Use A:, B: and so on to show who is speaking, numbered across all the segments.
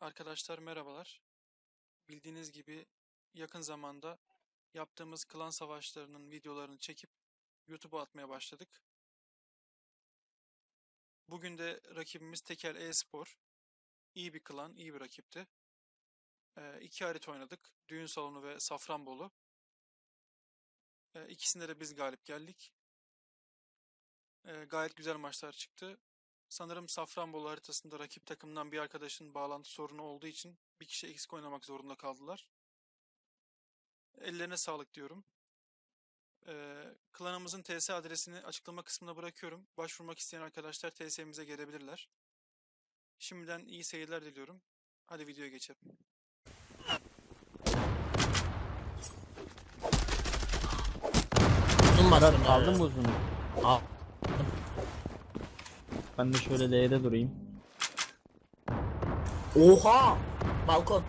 A: Arkadaşlar merhabalar. Bildiğiniz gibi yakın zamanda yaptığımız klan savaşlarının videolarını çekip YouTube'a atmaya başladık. Bugün de rakibimiz Tekel e-spor. İyi bir klan, iyi bir rakipti. İki harita oynadık. Düğün salonu ve Safranbolu. İkisinde de biz galip geldik. Gayet güzel maçlar çıktı. Sanırım Safranbolu haritasında rakip takımdan bir arkadaşın bağlantı sorunu olduğu için bir kişi eksik oynamak zorunda kaldılar. Ellerine sağlık diyorum. Klanımızın TS adresini açıklama kısmına bırakıyorum. Başvurmak isteyen arkadaşlar TS'mize gelebilirler. Şimdiden iyi seyirler diliyorum. Hadi videoya geçelim.
B: Uzun bastım.
C: Aldın mı uzunu?
B: Al.
C: Ben de şöyle L'de durayım.
B: Oha! Balkon.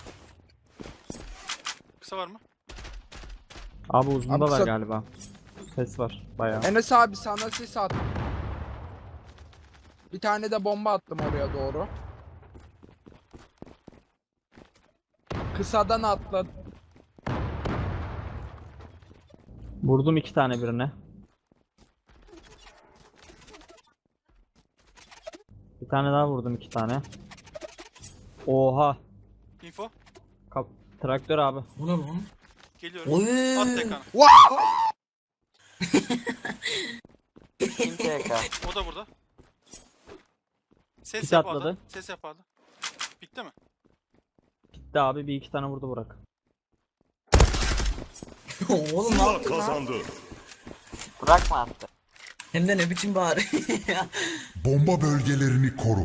A: Kısa var mı?
C: Abi uzunda
D: Abi
C: var
D: kısa-
C: galiba. Ses var bayağı.
D: Enes abi sana sis at. Bir tane de bomba attım oraya doğru. Kısadan atladı.
C: Vurdum iki tane birine. Bir tane daha vurdum iki tane. Oha.
A: Info.
C: Traktör abi.
B: Bu ne lan?
A: Geliyorum.
B: Oy!
A: At tekanı.
B: Kim TK?
A: O da burada. Ses
C: Kit
A: yap
C: atladı.
A: Arda. Ses yap Arda. Bitti mi?
C: Gitti abi, bir iki tane vurdu Burak.
B: Oğlum ne
E: Zula
B: yaptın lan?
E: kazandı.
F: Bırakma attı.
B: Hem de ne biçim bağırıyor ya.
E: Bomba bölgelerini koru.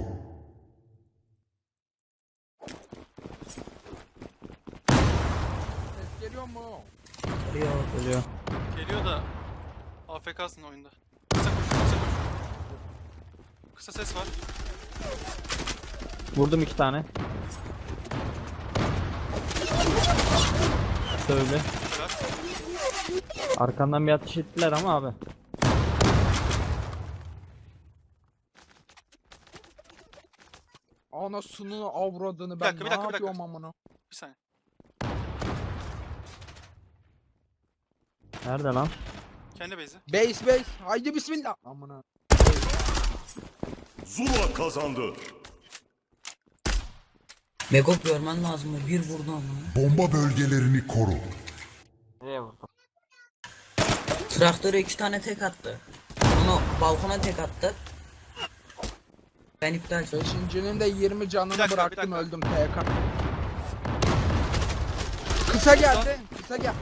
D: Ses geliyor mu?
C: Geliyor.
A: Geliyor da AFK'sın oyunda. Kısa koş, kısa koş. Kısa ses var.
C: Vurdum iki tane. Söyle.
A: Güzel.
C: Arkandan bir ateş ettiler ama abi.
D: Anasını avradını
A: Bir
D: ben
A: dakika, bir dakika,
D: ne
A: bir dakika.
D: yapıyorum amına?
A: Bir saniye.
C: Nerede lan?
A: Kendi base'i.
D: Base haydi bismillah amına.
E: Zula kazandı.
B: Megop görmen lazım mı? Bir vurdu ama.
E: Bomba bölgelerini koru.
F: Nereye vurdum?
B: Traktöre 2 tane tek attı. Sonra balkona tek attı. Ben iptal ettim.
D: Beşincinin de 20 canını
A: Bir dakika, bir
D: bıraktım
A: dakika.
D: öldüm TK. Kısa geldi. Kısa gel.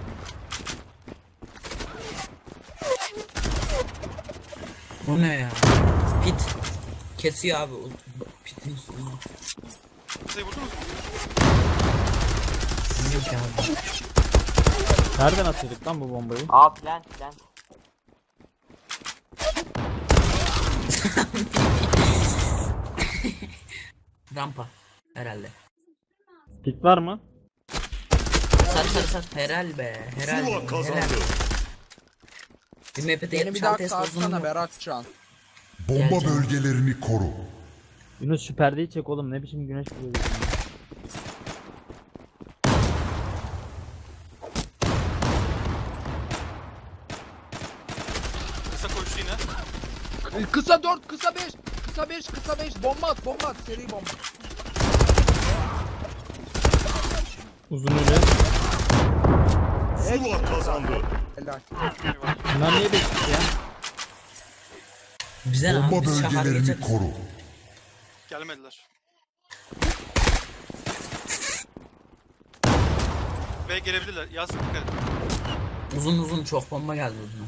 B: Bu ne ya? Pit. Kesiyor abi. Pitin üstünde.
A: Kısayı vurdunuz mu?
B: Bilmiyorum ki abi.
C: Nereden atıyorduk lan bu bombayı?
F: Aa plant.
B: Rampa. Herhalde.
C: Pik var mı?
B: Sarı. Herhal be. Herhal.
E: Zula kazandı.
B: Bir MP'de
D: Beni bir daha
B: 76 test uzun
D: kalksana
B: yok.
D: Beratcan.
E: Bomba
B: Geleceğim.
E: bölgelerini koru.
C: Yunus şu perdeyi çek oğlum, ne biçim güneş vuruyor.
A: Kısa koştu yine.
D: Kısa 4, kısa 5. Kısa 5. Bomba at. Seri bomba.
C: Uzun ölü.
E: Zula kazandı.
D: Helal.
A: Eyvallah.
C: Bunlar niye bekliyor ya?
B: Bize ne abi?
E: Bomba
B: Biz şahar
E: bölgelerini
B: geçeriz.
E: koru.
A: Gelmediler. Ve gelebilirler. Yaz dikkat et.
B: Uzun çok bomba geldi uzun.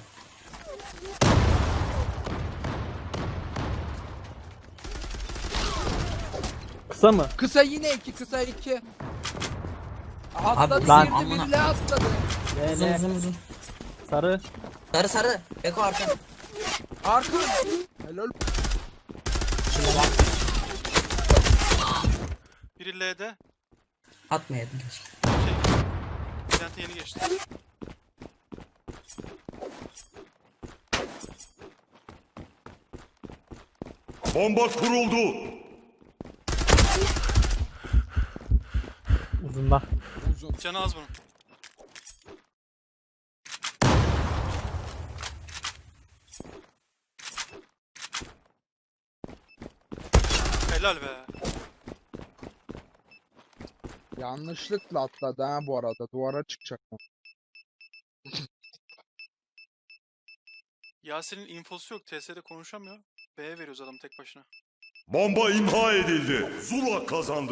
C: Kısa mı?
D: Kısa yine 2, kısa 2. Atladı,
B: Abi,
C: lan,
D: girdi,
B: amına.
D: birle atladı.
B: Uzun.
C: Sarı.
B: Sarı. Eko arka.
D: Arka. Helal.
A: Biri L'de.
B: Atmayaydın keşke.
A: Plant'e yeni geçti.
E: Bomba kuruldu.
C: Uzunda.
D: Uzun.
A: Canı az bunun. Helal be.
D: Yanlışlıkla atladı ha bu arada. Duvara çıkacak mı?
A: Yasin'in infosu yok. TS'de konuşamıyor. B'ye veriyoruz adam tek başına.
E: Bomba imha edildi. Zula kazandı.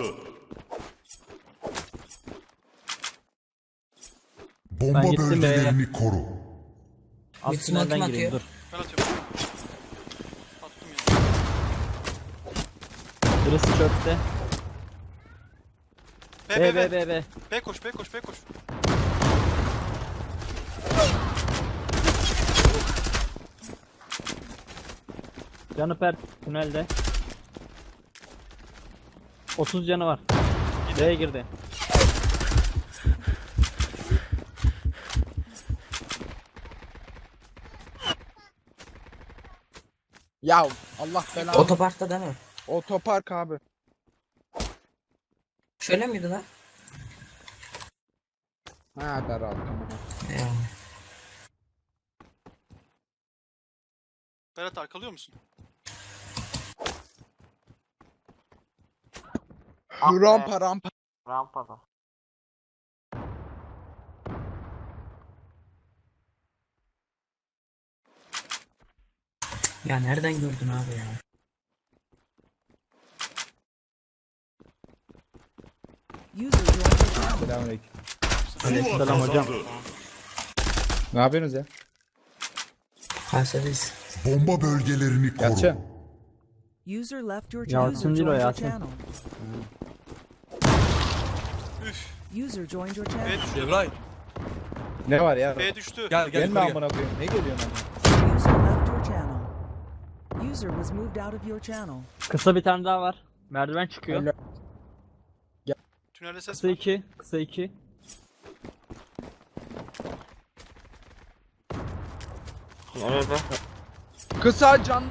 E: Bomba
C: Ben gittim
E: bölgelerini koru.
C: Alt
B: Bir smoke
C: tünelden
B: kim
C: gireyim
B: atıyor?
C: dur.
A: Ben atıyorum. Attım ya.
C: Birisi çöpte.
A: B.
C: B.
A: B koş, B koş, B koş.
C: Canı pert tünelde. 30 canı var. B'ye girdi.
D: Ya Allah belanı.
B: Otoparkta değil mi?
D: Otopark abi.
B: Şöyle miydi lan?
D: Ha Berat tamam.
B: Ya.
A: Berat arkalıyor musun?
F: Ah be.
D: Rampa rampa.
F: Rampada.
B: Ya nereden gördün abi ya?
G: User joined your channel.
H: Selamünaleyküm.
E: Zula
C: Aleykümselam hocam.
E: kazandı.
H: Ne yapıyorsunuz ya?
B: Kayseri'yiz.
E: Bomba bölgelerini koru.
H: Yatça.
G: User left your
C: Yasin
G: channel.
C: değil o,
G: Joined your
C: Yasin.
G: channel.
A: Üf.
G: User joined your
A: B
G: channel.
A: düştü.
I: Devray
H: Ne var ya?
A: B düştü.
I: gel
H: Gelme
I: yukarı gel.
H: amına koyayım. Ne geliyorsun amına?
G: User left your channel. User was moved out of your channel.
C: Kısa bir tane daha var. Merdiven çıkıyor.
D: Öyle.
A: Tünelde ses
C: Kısa
A: var.
C: 2. Kısa 2.
F: Nerede?
D: Kısa can.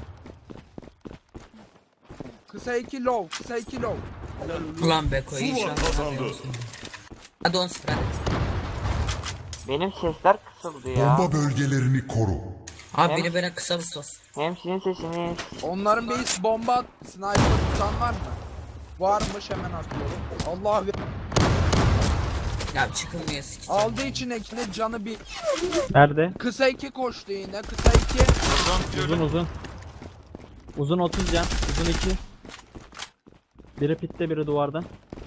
D: Kısa 2 low. Kısa 2 low.
B: Ulan Beko iyi
E: Zula
B: şans.
E: kazandı.
B: Hadi 10 0 hadi.
F: Benim sesler kısıldı ya.
E: Bomba bölgelerini koru.
B: Abi biri bana kısa bir sos.
F: Hem sizin sesiniz.
D: Onların base bomba at. Sniper tutan var mı? Varmış hemen atıyorum. Allah
B: Ya çıkılmıyor sikeceğim.
D: aldı içindekini canı bir.
C: Nerede?
D: Kısa 2 koştu yine. Kısa 2.
C: Uzun uzun. Uzun 30 can. Uzun 2. Biri pitte biri duvarda.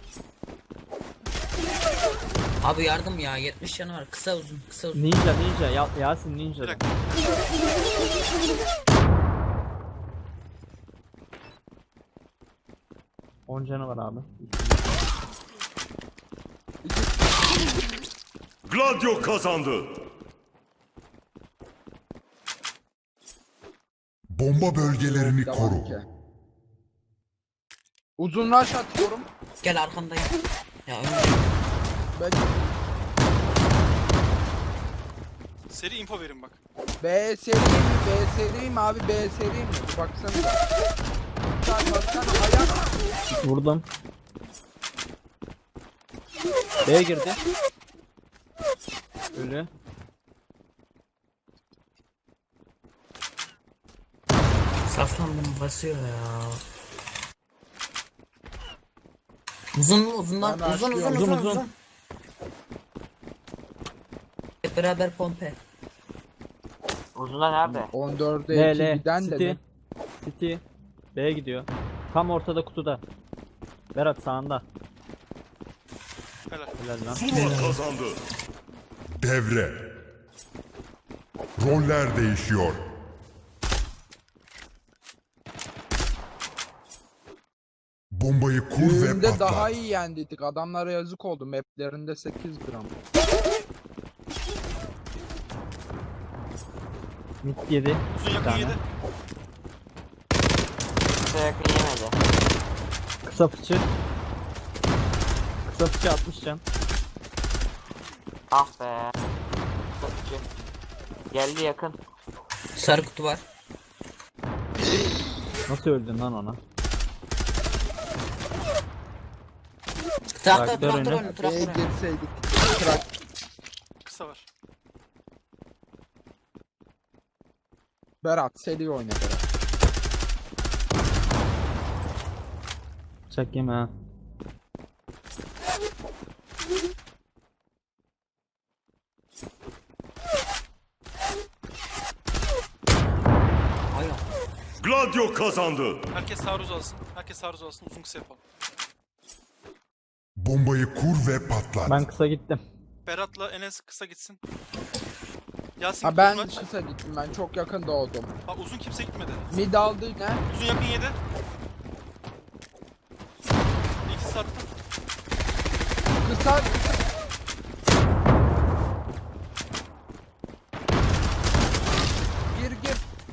B: Abi yardım ya 70 canı var. Kısa uzun. Kısa uzun.
C: Ninja. Yasin ninja.
A: Bir dakika.
C: 10 canı var abi.
E: Gladio kazandı. Bomba bölgelerini
D: Devam
E: koru.
D: ki. Uzun rush atıyorum.
B: Gel arkandayım. Ya önce.
D: Ben
A: Seri info verin bak.
D: B seriyim mi? B seriyim abi. B seriyim mi? Baksanıza. Sen baksana ayak.
C: Vurdum. B'ye girdi. Ölü.
B: Safran bunu basıyor ya. Uzun mu? Uzundan.
D: Ben
B: Uzun uzun
D: başlıyorum.
B: uzun
C: Uzun, uzun.
B: uzun. Hep beraber pompe.
F: Uzuna nerede?
D: 14'e 2
C: L.
D: giden
C: City.
D: de.
C: City. B'ye gidiyor. Tam ortada kutuda. Berat sağında.
A: Helal.
C: Helal lan.
E: Zula kazandı. Devre. Roller değişiyor. Bombayı kur ve
D: Düğünde
E: patlat.
D: daha iyi yendiydik. Adamlara yazık oldu. Maplerinde 8 gram.
C: Mid 7.
A: Uzun yakın
C: tane.
A: 7.
F: Kısa yakın yemedi.
C: Kısa fıçı. Kısa fıçı 60 can.
F: Ah be. Kısa. Geldi yakın.
B: Sarı kutu var.
C: Nasıl öldün lan ona?
B: Traktör
C: Traktör
B: traktör
C: önü.
B: önü
D: B'ye
B: traktör önü.
D: girseydik. Trak.
A: Kısa var.
D: Berat seri oyna Berat.
C: Bıçak yeme ha.
B: Hayır.
E: Gladio kazandı.
A: Herkes taarruz alsın. Herkes taarruz alsın. Uzun kısa yapalım.
E: Bombayı kur ve patlat.
C: Ben kısa gittim.
A: Berat'la Enes kısa gitsin. Yasin
D: Ha
A: uzun
D: ben
A: aç.
D: kısa gittim, ben çok yakın doğdum.
A: Bak uzun kimse gitmedi.
D: Mid aldı ne?
A: Uzun yakın yedi. İkisi sarttı.
D: Kısa. Gir.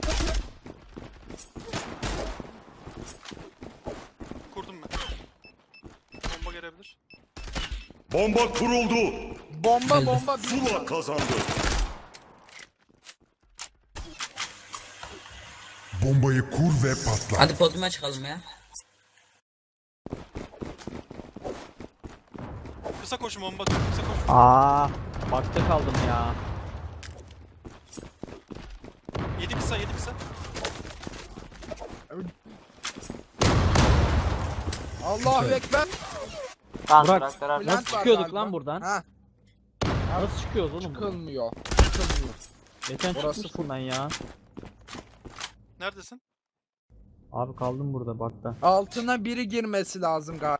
A: Kurdum ben. Bomba gelebilir.
E: Bomba kuruldu.
D: Bomba.
E: Zula kazandı. Bombayı kur ve patlat.
B: Hadi podyuma çıkalım ya.
A: Kısa koşun bomba atıyor. Kısa koşun.
C: Aa, bakta kaldım ya.
A: 7 kısa 7 kısa.
D: Allahu ekber.
F: Lan
C: Burak,
F: traktör abi.
D: Bülent
C: Nasıl
D: var
C: çıkıyorduk
D: galiba.
C: lan buradan?
D: Ha,
C: Nasıl çıkıyoruz oğlum?
D: çıkılmıyor.
C: Geçen
D: Orası
C: çıkmıştım ben ya.
A: Neredesin?
C: Abi kaldım burada bakta.
D: Altına biri girmesi lazım galiba.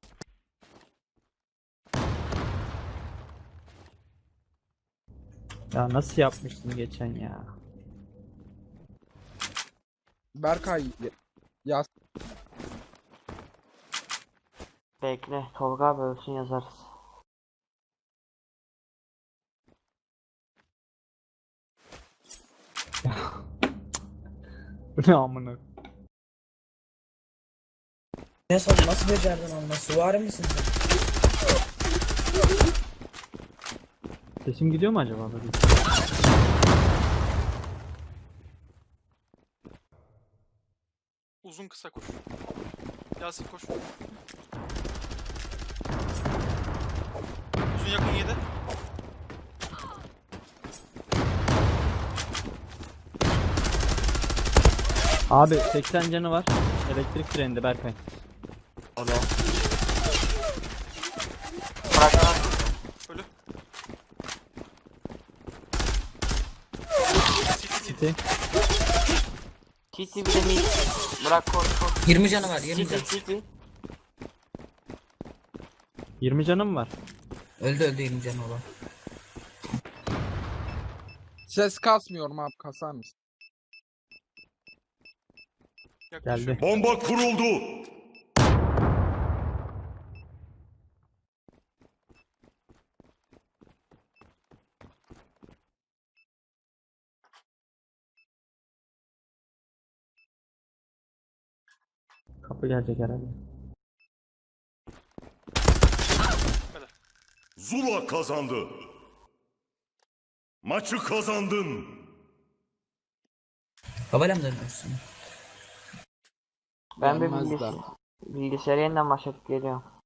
C: Ya nasıl yapmıştın geçen ya?
D: Berkay yaz.
F: Bekle. Tolga abi ölsün yazarız.
C: Bu ne amına?
B: Ne sandın, nasıl becerdin onu? Süvari misin sen?
C: Sesim gidiyor mu acaba böyle?
A: Uzun kısa koş. Yasin koş. Uzun yakın yedi.
C: Abi 80 canı var. Elektrik treninde Berkay.
F: Öyle. Traktör abi.
A: Ölü.
C: City.
F: City bir de mid. Bırak koş.
B: 20 canı var 20
F: City
B: canı.
F: City.
C: 20 canım var.
B: Öldü 20 canı olan.
D: Ses kasmıyorum abi, kasar mısın?
A: Yaklaşıyor.
C: Geldi.
E: Bomba kuruldu.
C: Kapı gelecek herhalde.
E: Zula kazandı. Maçı kazandın.
B: Babayla mı dönüyorsun?
F: Ben bir
D: Gelmezler.
F: bilgisayarı yeniden başlatıp geliyorum.